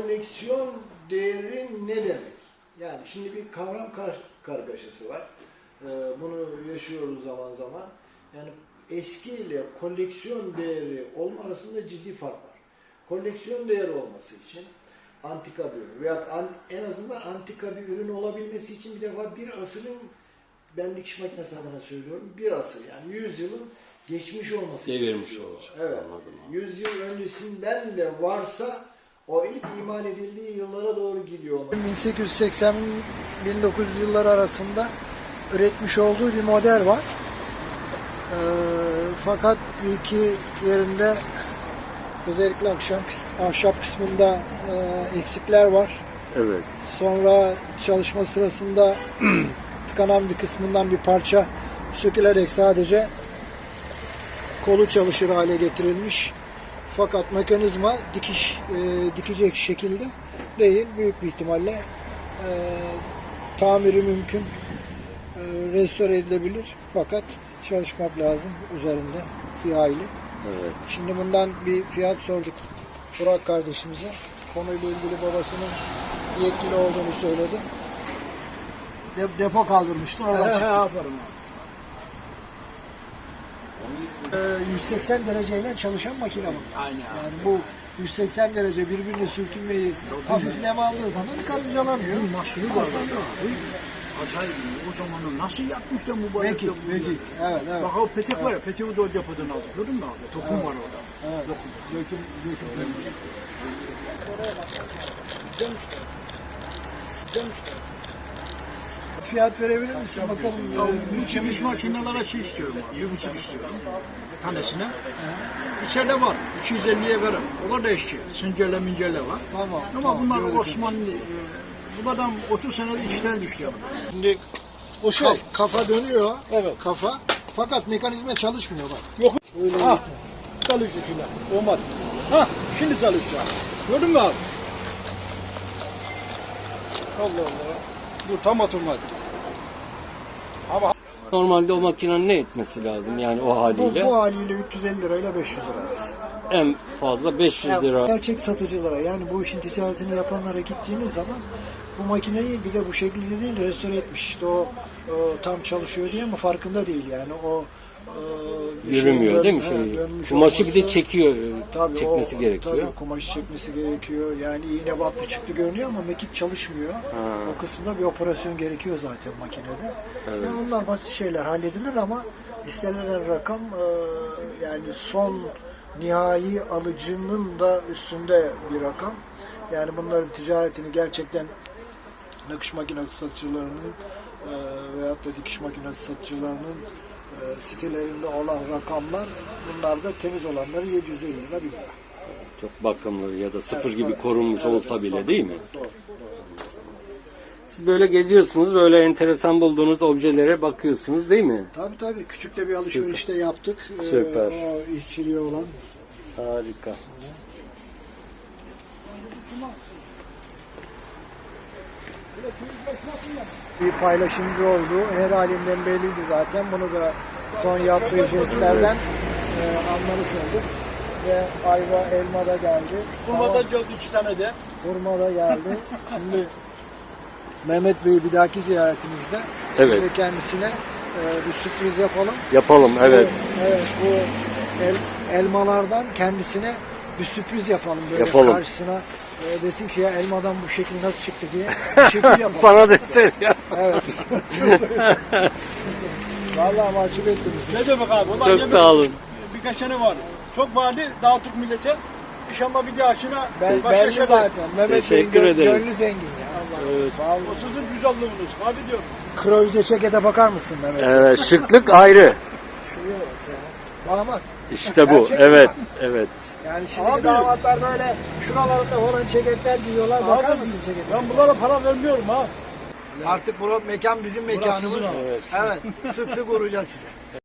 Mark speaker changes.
Speaker 1: koleksiyon değeri ne demek? Yani şimdi bir kavram kargaşası var. Bunu yaşıyoruz zaman zaman. Yani eski ile koleksiyon değeri olma arasında ciddi fark var. Koleksiyon değeri olması için antika bir ürün veya en azından antika bir ürün olabilmesi için bir defa bir asırın, ben dikiş makinesi adına söylüyorum, bir asır yani 100 yılın geçmiş olması
Speaker 2: devirmiş olacak.
Speaker 1: Evet.
Speaker 2: Anladım.
Speaker 1: 100 yıl öncesinden de varsa o ilk imal edildiği yıllara doğru gidiyor. 1880-1900 yılları arasında üretmiş olduğu bir model var. Fakat iki yerinde özellikle ahşap kısmında eksikler var.
Speaker 2: Evet.
Speaker 1: Sonra çalışma sırasında tıkanan bir kısmından bir parça sökülerek sadece kolu çalışır hale getirilmiş. Fakat mekanizma dikecek şekilde değil. Büyük bir ihtimalle tamiri mümkün. Restore edilebilir. Fakat çalışmak lazım üzerinde bir hayli.
Speaker 2: Evet.
Speaker 1: Şimdi bundan bir fiyat sorduk Burak kardeşimize. Konuyla ilgili babasının yetkili olduğunu söyledi. Depo kaldırmıştı. Oradan çıktı. 180 dereceyle çalışan makine bu.
Speaker 3: Aynen.
Speaker 1: Yani bu 180 derece birbirine sürtünmeyi hafif nem aldığı zaman karıncalanıyor.
Speaker 3: Nasıl yapıyor? Acayip. O zamanı nasıl yapmış da mübarek
Speaker 1: Peki,
Speaker 3: yapıyor?
Speaker 1: peki. Evet, evet.
Speaker 3: Bak o petek var ya, peteği de o depodan aldık. Gördün mü abi? Tokum var orada.
Speaker 1: Evet. Döküm. Fiyat verebilir misin bakalım?
Speaker 3: Bu çemiş makinelere şey istiyorum abi. 1,5 istiyorum. Tanesine. İçeride var. 250'ye veririm. Onlar da eski. Sıncerle mincerle var.
Speaker 1: Tamam.
Speaker 3: Ama bunlar Osmanlı. Bunlardan 30 senede işten düştü yani.
Speaker 1: Şimdi o kafa dönüyor. Evet. Kafa. Fakat mekanizma çalışmıyor bak.
Speaker 3: Yok.
Speaker 1: Öyle
Speaker 3: Ha. Çalıştı filan. Olmadı. Ha. Şimdi çalışıyor. Gördün mü abi? Allah Allah. Dur tam oturmadı. Ama
Speaker 2: Normalde o makinenin ne etmesi lazım yani o haliyle?
Speaker 1: bu haliyle 350 lirayla 500 lira arası.
Speaker 2: En fazla 500 lira.
Speaker 1: Gerçek satıcılara yani bu işin ticaretini yapanlara gittiğiniz zaman bu makineyi bir de bu şekilde değil restore etmiş. İşte o tam çalışıyor diye ama farkında değil yani o
Speaker 2: Yürümüyor değil mi şey? Kumaşı bir de çekiyor.
Speaker 1: Tabii
Speaker 2: Çekmesi gerekiyor.
Speaker 1: Tabii kumaşı çekmesi gerekiyor. Yani iğne battı çıktı görünüyor ama mekik çalışmıyor. O kısımda bir operasyon gerekiyor zaten makinede.
Speaker 2: Evet.
Speaker 1: Yani onlar basit şeyler halledilir ama istenilen rakam yani son nihai alıcının da üstünde bir rakam. Yani bunların ticaretini gerçekten nakış makinesi satıcılarının veyahut da dikiş makinesi satıcılarının sitelerinde olan rakamlar, bunlar da temiz olanları 750 lira 1000 lira.
Speaker 2: Çok bakımlı ya da sıfır gibi korunmuş olsa bile değil mi?
Speaker 1: Doğru.
Speaker 2: Siz böyle geziyorsunuz, böyle enteresan bulduğunuz objelere bakıyorsunuz değil mi?
Speaker 1: Tabii küçük de bir alışveriş de yaptık.
Speaker 2: Süper.
Speaker 1: O işçiliği olan.
Speaker 2: Harika.
Speaker 1: Bir paylaşımcı olduğu her halinden belliydi zaten. Bunu da son yaptığı jestlerden anlamış olduk. Ve ayva, elma da geldi.
Speaker 3: Kurmadan geldi 2 tane de.
Speaker 1: Hurma da geldi. Şimdi Mehmet Bey'i bir dahaki ziyaretimizde
Speaker 2: Evet.
Speaker 1: biz de kendisine bir sürpriz yapalım.
Speaker 2: Yapalım, evet.
Speaker 1: Evet, bu elmalardan kendisine bir sürpriz yapalım. Böyle
Speaker 2: Yapalım.
Speaker 1: karşısına desin ki ya elmadan bu şekil nasıl çıktı diye bir şekil yapalım.
Speaker 2: Sana desin ya.
Speaker 1: Evet. Vallahi mahcup ettiniz.
Speaker 3: Ne demek abi? Ulan
Speaker 2: Çok
Speaker 3: yemin
Speaker 2: sağ olun.
Speaker 3: Birkaç tane var. Çok vardı dağıttık millete. İnşallah bir dahakine
Speaker 1: Belli
Speaker 3: şeyler-
Speaker 1: zaten. Mehmet Bey'in
Speaker 2: Teşekkür ederiz.
Speaker 1: gönlü zengin ya.
Speaker 2: Evet.
Speaker 1: Vallahi.
Speaker 3: O sizin güzelliğiniz. Abi diyorum.
Speaker 1: Krovize çekete bakar mısın Mehmet?
Speaker 2: Evet, şıklık ayrı.
Speaker 1: Şuraya bak ya. Damat.
Speaker 2: İşte bu.
Speaker 1: Gerçek mi
Speaker 2: Evet,
Speaker 1: bak?
Speaker 2: evet.
Speaker 1: Yani şimdi
Speaker 3: Abi.
Speaker 1: damatlar böyle şuralarında falan ceketler giyiyorlar. Bakar
Speaker 3: Abi,
Speaker 1: mısın cekete?
Speaker 3: Ben bunlara para vermiyorum ha.
Speaker 1: Artık bu mekan bizim mekanımız.
Speaker 3: sizin abi.
Speaker 2: Evet.
Speaker 1: Evet. Sık sık uğrayacağız size.